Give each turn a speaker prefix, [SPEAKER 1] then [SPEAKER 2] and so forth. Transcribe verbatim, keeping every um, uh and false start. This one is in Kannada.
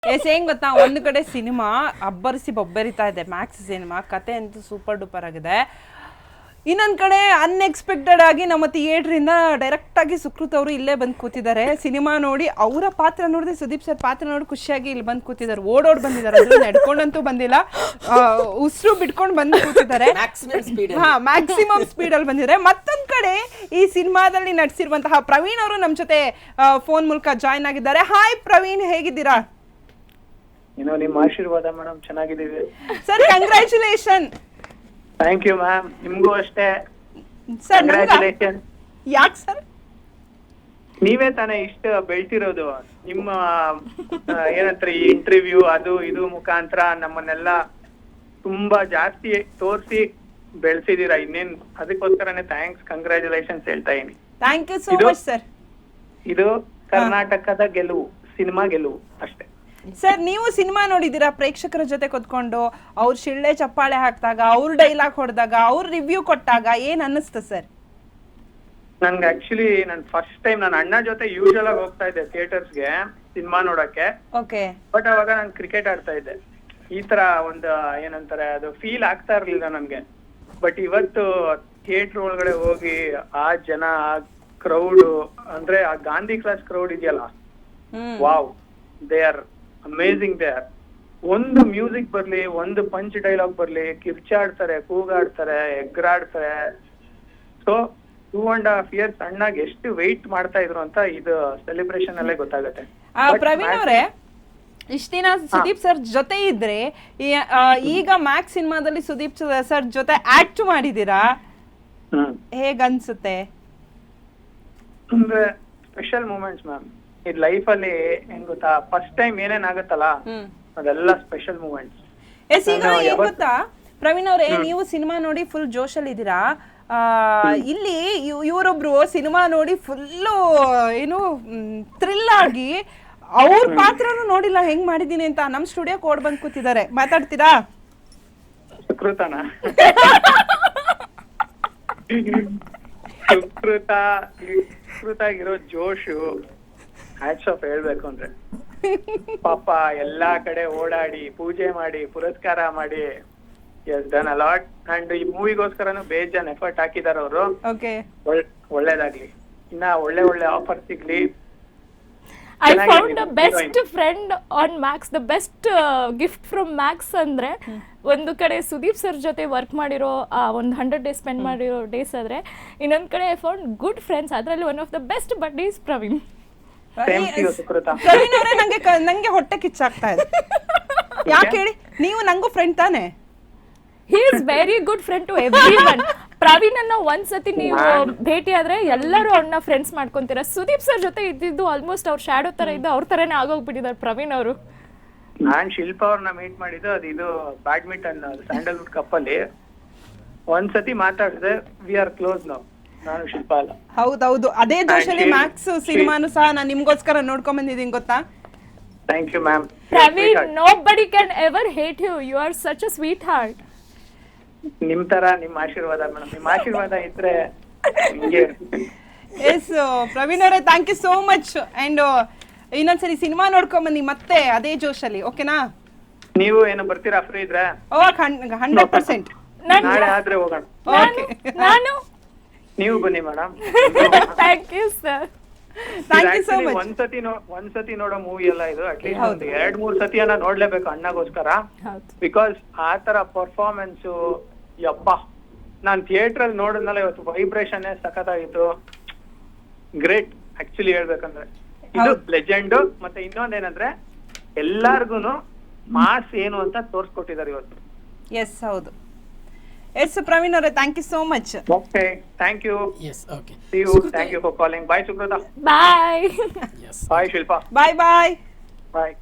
[SPEAKER 1] ಎಸ್ ಹೆಂಗ್ ಗೊತ್ತಾ, ಒಂದು ಕಡೆ ಸಿನಿಮಾ ಅಬ್ಬರಿಸಿ ಬೊಬ್ಬರಿತಾ ಇದೆ, ಮ್ಯಾಕ್ಸ್ ಸಿನಿಮಾ ಕತೆ ಅಂತೂ ಸೂಪರ್ ಡೂಪರ್ ಆಗಿದೆ. ಇನ್ನೊಂದು ಕಡೆ ಅನ್ಎಕ್ಸ್ಪೆಕ್ಟೆಡ್ ಆಗಿ ನಮ್ಮ ಥಿಯೇಟ್ರಿಂದ ಡೈರೆಕ್ಟ್ ಆಗಿ ಸುಕೃತ್ ಅವರು ಇಲ್ಲೇ ಬಂದು ಕೂತಿದ್ದಾರೆ. ಸಿನಿಮಾ ನೋಡಿ ಅವರ ಪಾತ್ರ ನೋಡಿದ್ರೆ ಸುದೀಪ್ ಸರ್ ಪಾತ್ರ ನೋಡಿ ಖುಷಿಯಾಗಿ ಇಲ್ಲಿ ಬಂದು ಕೂತಿದ್ದಾರೆ, ಓಡೋಡ್ ಬಂದಿದ್ದಾರೆ, ಅದ್ರ ನಡ್ಕೊಂಡಂತೂ ಬಂದಿಲ್ಲ, ಉಸಿರು ಬಿಟ್ಕೊಂಡು ಬಂದು ಕೂತಿದ್ದಾರೆ. ಹಾ, ಮ್ಯಾಕ್ಸಿಮಮ್ ಸ್ಪೀಡಲ್ಲಿ ಬಂದಿದ್ದಾರೆ. ಮತ್ತೊಂದು ಕಡೆ ಈ ಸಿನಿಮಾದಲ್ಲಿ ನಟಿಸಿರುವಂತಹ ಪ್ರವೀಣ್ ಅವರು ನಮ್ಮ ಜೊತೆ ಫೋನ್ ಮೂಲಕ ಜಾಯ್ನ್ ಆಗಿದ್ದಾರೆ. ಹಾಯ್ ಪ್ರವೀಣ್, ಹೇಗಿದ್ದೀರಾ?
[SPEAKER 2] ಏನೋ ನಿಮ್ಮ ಆಶೀರ್ವಾದ ಮೇಡಮ್, ಚೆನ್ನಾಗಿದ್ದೀವಿ
[SPEAKER 1] sir. Congratulation.
[SPEAKER 2] Thank you ma'am, ನಿಮ್ಗೂ ಅಷ್ಟೇ
[SPEAKER 1] ಸರ್.
[SPEAKER 2] ಕಂಗ್ರ್ಯಾಚುಲೇಷನ್.
[SPEAKER 1] ಯಾಕೆ ಸರ್?
[SPEAKER 2] ನೀವೇ ತಾನೇ ಇಷ್ಟ ಬೆಳ್ತಿರೋದು, ನಿಮ್ಮ ಏನಂತಾರೆ ಈ ಇಂಟರ್ವ್ಯೂ ಅದು ಇದು ಮುಖಾಂತರ ನಮ್ಮನ್ನೆಲ್ಲ ತುಂಬಾ ಜಾಸ್ತಿ ತೋರಿಸಿ ಬೆಳೆಸಿದೀರಾ. ಇನ್ನೇನ್ ಅದಕ್ಕೋಸ್ಕರನೇ ಥ್ಯಾಂಕ್ಸ್, ಕಂಗ್ರ್ಯಾಚುಲೇಷನ್ಸ್ ಹೇಳ್ತಾ ಇದೀನಿ.
[SPEAKER 1] Thank you so much sir.
[SPEAKER 2] ಇದು ಕರ್ನಾಟಕದ ಗೆಲುವು, ಸಿನಿಮಾ ಗೆಲುವು ಅಷ್ಟೇ.
[SPEAKER 1] ಸರ್, ನೀವು ಸಿನಿಮಾ ನೋಡಿದ್ದೀರಾ? ಪ್ರೇಕ್ಷಕರ ಜೊತೆ ಕೂತ್ಕೊಂಡು ಅವ್ರ ಶಿಳ್ಳೆ ಚಪ್ಪಾಳೆ ಹಾಕಿದಾಗ, ಅವ್ರ ಡೈಲಾಗ್ ಹೊಡೆದಾಗ, ಅವ್ರ ರಿವ್ಯೂ ಕೊಟ್ಟಾಗ ಏನ್ ಅನ್ನಿಸ್ತು ಸರ್?
[SPEAKER 2] ನನ್ಗೆ ಆಕ್ಚುಲಿ ನನ್ ಫಸ್ಟ್ ಟೈಮ್ ನನ್ನ ಅಣ್ಣ ಜೊತೆ ಯೂಶಲ್ ಆಗಿ ಹೋಗ್ತಾ ಇದ್ದೆ ಥಿಯೇಟರ್ಸ್ಗೆ ಸಿನಿಮಾ ನೋಡಕ್ಕೆ.
[SPEAKER 1] ಓಕೆ.
[SPEAKER 2] ಬಟ್ ಅವಾಗ ನಾನು ಕ್ರಿಕೆಟ್ ಆಡ್ತಾ ಇದ್ದೆ. ಈ ತರ ಒಂದು ಏನಂತಾರೆ ಅದು ಫೀಲ್ ಆಗ್ತಾ ಇರ್ಲಿಲ್ಲ ನನ್ಗೆ. ಬಟ್ ಇವತ್ತು ಥಿಯೇಟರ್ ಒಳಗಡೆ ಹೋಗಿ ಆ ಜನ, ಆ ಕ್ರೌಡ್, ಅಂದ್ರೆ ಆ ಗಾಂಧಿ ಕ್ಲಾಸ್ ಕ್ರೌಡ್ ಇದೆಯಲ್ಲ, wow, they are amazing. They are ಒಂದು ಮ್ಯೂಸಿಕ್ ಬರ್ಲಿ, ಒಂದು ಪಂಚ್ ಡೈಲಾಗ್ ಬರ್ಲಿ, ಕಿರ್ಚಾಡ್ತಾರೆ, ಕೂಗಾಡ್ತಾರೆ, ಎಗ್ರಾಡ್ತಾರೆ. So two and half years ಅಣ್ಣಾಗ ಎಷ್ಟು ವೆಯ್ಟ್ ಮಾಡ್ತಾ ಇದ್ರು ಅಂತ ಇದು ಸೆಲೆಬ್ರೇಷನ್ ಅಲ್ಲೇ ಗೊತ್ತಾಗುತ್ತೆ.
[SPEAKER 1] ಪ್ರವೀಣ್ ಅವರೇ, ಇಷ್ಟ ದಿನ ಸುದೀಪ್ ಸರ್ ಜೊತೆ ಇದ್ರೆ, ಈಗ ಮ್ಯಾಕ್ಸ್ ಸಿನಿಮಾದಲ್ಲಿ ಸುದೀಪ್ ಸರ್ ಜೊತೆ ಆಕ್ಟ್ ಮಾಡಿದೀರಾ, ಹೇಗ್ ಅನ್ಸುತ್ತೆ?
[SPEAKER 2] ಅಂದ್ರೆ ಸ್ಪೆಷಲ್ ಮೂಮೆಂಟ್ಸ್ ಮ್ಯಾಮ್. ಈ ಲೈಫ್ ಅಲ್ಲಿ ಹೆಂಗ್ ಗೊತ್ತಾ, ಫಸ್ಟ್ ಟೈಮ್ ಏನೇನ್ ಆಗುತ್ತಲ್ಲ ಅದೆಲ್ಲ ಸ್ಪೆಷಲ್ ಮೂಮೆಂಟ್ಸ್.
[SPEAKER 1] ಎಸ್, ಈಗ ಏನ್ ಗೊತ್ತಾ ಪ್ರವೀಣ್ ಅವರೇ, ನೀವು ಸಿನಿಮಾ ನೋಡಿ ಫುಲ್ ಜೋಶಲ್ಲಿ ಇದ್ದೀರಾ. ಆ ಇಲ್ಲಿ ಇವರೊಬ್ರು ಸಿನಿಮಾ ನೋಡಿ ಫುಲ್ಲು ಏನು ಥ್ರಿಲ್ ಆಗಿ ಅವ್ರ ಪಾತ್ರನೂ ನೋಡಿಲ್ಲ ಹೆಂಗ್ ಮಾಡಿದೀನಿ ಅಂತ ನಮ್ ಸ್ಟುಡಿಯೋಕ್ ಓಡ್ ಬಂದ್ ಕೂತಿದ್ದಾರೆ. ಮಾತಾಡ್ತೀರಾ?
[SPEAKER 2] ಸುಕೃತನ ಸುಕೃತ ಸುಕೃತ ಆಗಿರೋ ಜೋಶು ಹ್ಯಾಟ್ಸ್ ಆಫ್ ಹೇಳ್ಬೇಕು ಅಂದ್ರೆ. ಪಾಪ ಎಲ್ಲಾ ಕಡೆ ಓಡಾಡಿ, ಪೂಜೆ ಮಾಡಿ, ಪುರಸ್ಕಾರ ಮಾಡಿ, yes done a lot. And ಈ ಮೂವಿಗೋಸ್ಕರನು ಬೇಜಾನ್ ಎಫರ್ಟ್ ಹಾಕಿದಾರೆ ಅವರು.
[SPEAKER 1] ಓಕೆ,
[SPEAKER 2] ಒಳ್ಳೇದಾಗ್ಲಿ, ಇನ್ನ ಒಳ್ಳೆ ಒಳ್ಳೆ ಆಫರ್ ಸಿಗ್ಲಿ.
[SPEAKER 3] I found a best friend on Max. The best uh, gift from Max ಅಂದ್ರೆ ಒಂದು ಕಡೆ ಸುದೀಪ್ ಸರ್ ಜೊತೆ ವರ್ಕ್ ಮಾಡಿರೋ ಒಂದು ಹಂಡ್ರೆಡ್ ಡೇಸ್ ಸ್ಪೆಂಡ್ ಮಾಡಿರೋ ಡೇಸ್ ಆದ್ರೆ, ಇನ್ನೊಂದ್ ಕಡೆ ಐ ಫೌಂಡ್ ಗುಡ್ ಫ್ರೆಂಡ್ಸ್. ಅದರಲ್ಲಿ one of the best bud is Praveen.
[SPEAKER 1] Praveen ಅವರೇ, ನಂಗೆ ನಂಗೆ ಹೊಟ್ಟೆ ಕಿಚ್ಚಾಗ್ತಾ ಇದೆ. ಯಾಕೆ ಹೇಳಿ? ನೀವು ನಂಗೂ ಫ್ರೆಂಡ್ ತಾನೆ?
[SPEAKER 3] He is very good friend to everyone. Praveen ಅನ್ನ ಒಂದ್ಸತಿ ನೀವು ಭೇಟಿ ಆದ್ರೆ ಎಲ್ಲರೂ ಅವ್ರನ್ನ ಫ್ರೆಂಡ್ಸ್ ಮಾಡ್ಕೊಂತೀರಾ. ಸುದೀಪ್ ಸರ್ ಜೊತೆ ಇದ್ದಿದ್ದು ಆಲ್ಮೋಸ್ಟ್ ಅವ್ರ ಶಾಡೋ ತರ ಇದ್ದು ಅವ್ರ ತರನೇ ಆಗೋಗ್ಬಿಟ್ಟಿದ್ದಾರೆ ಪ್ರವೀಣ್ ಅವರು.
[SPEAKER 2] ನಾನ್ ಶಿಲ್ಪಾ ಅವ್ರನ್ನ ಮೀಟ್ ಮಾಡಿದ್ದು ಅದು ಇದು ಬ್ಯಾಡ್ಮಿಂಟನ್ ಸ್ಯಾಂಡಲ್ವುಡ್ ಕಪ್ ಅಲ್ಲಿ. ಒಂದ್ಸತಿ ಮಾತಾಡಿದ್ರೆ ವಿ ಆರ್ ಕ್ಲೋಸ್ ನೌ, ನಾನು ಶಿಲ್ಪಾ ಅಲ್ಲ.
[SPEAKER 1] ಹೌದೌದು, ಅದೇ ಜೋಶಲ್ಲಿ ಮ್ಯಾಕ್ಸ್ ಸಿನಿಮಾನು ಸಹ ನಾನು ನಿಮ್ಗೋಸ್ಕರ ನೋಡ್ಕೊಂಡ್ ಬಂದಿದ್ದೀನಿ ಗೊತ್ತಾ.
[SPEAKER 2] Thank you ma'am.
[SPEAKER 3] Praveen, nobody can ever hate you. You are such a sweetheart.
[SPEAKER 2] ನಿಮ್ ತರ ನಿಮ್ ಆಶೀರ್ವಾದ ಮೇಡಮ್, ನಿಮ್ ಆಶೀರ್ವಾದ ಇದ್ರೆ ಹಿಂಗೆ.
[SPEAKER 1] ಎಸ್ ಪ್ರವೀಣ್ ಅವರೇ, thank you so much. And ಇನ್ನೊಂದ್ಸರಿ ಸಿನಿಮಾ ನೋಡ್ಕೊಂಡ್ ಬನ್ನಿ ಮತ್ತೆ ಅದೇ ಜೋಶಲ್ಲಿ, ಓಕೆನಾ?
[SPEAKER 2] ನೀವು ಏನು ಬರ್ತೀರಾ ಫ್ರೀ ಇದ್ರೆ?
[SPEAKER 1] ಓ, ಹಂಡ್ರೆಡ್ ಪರ್ಸೆಂಟ್
[SPEAKER 2] ನಾಳೆ ಆದ್ರೆ ಹೋಗೋಣ.
[SPEAKER 3] ನಾನು
[SPEAKER 2] ನೀವು ಬನ್ನಿ madam.
[SPEAKER 3] Thank you sir.
[SPEAKER 1] Thank you so much.
[SPEAKER 2] ಒಂದ್ಸತಿ ಒಂದ್ಸತಿ ನೋಡೋ ಮೂವಿ ಅಲ್ಲ ಇದು, ಅಟ್ಲೀಸ್ಟ್ ಒಂದು ಎರಡ್ ಮೂರ್ ಸತಿಯನ್ನ ನೋಡ್ಲೇಬೇಕು ಅಣ್ಣಗೋಸ್ಕರ. ಬಿಕಾಸ್ ಆ ತರ ಪರ್ಫಾರ್ಮೆನ್ಸ್, ಯಪ್ಪ, ನಾನ್ ಥಿಯೇಟರ್ ಅಲ್ಲಿ ನೋಡಿದ್ನಲ್ಲ ಇವತ್ತು, ವೈಬ್ರೇಷನ್ ಸಖತ್ತಾಗಿತ್ತು. ಗ್ರೇಟ್ ಆಕ್ಚುಲಿ ಹೇಳ್ಬೇಕಂದ್ರೆ. ಇದು ಲೆಜೆಂಡ್. ಮತ್ತೆ ಇನ್ನೊಂದೇನಂದ್ರೆ ಎಲ್ಲಾರ್ಗುನು ಮಾಸ್ ಏನು ಅಂತ ತೋರ್ಸ್ಕೊಟ್ಟಿದ್ದಾರೆ ಇವತ್ತು.
[SPEAKER 1] ಎಸ್, ಹೌದು. ಎಸ್ ಪ್ರವೀಣ್ ಅವರೇ, thank you so much.
[SPEAKER 2] Okay, thank you.
[SPEAKER 4] Yes, okay.
[SPEAKER 2] See you. Thank you for calling. Bye Sukrita.
[SPEAKER 3] Bye.
[SPEAKER 4] Yes.
[SPEAKER 2] Bye Shilpa.
[SPEAKER 1] Bye bye.
[SPEAKER 2] Bye.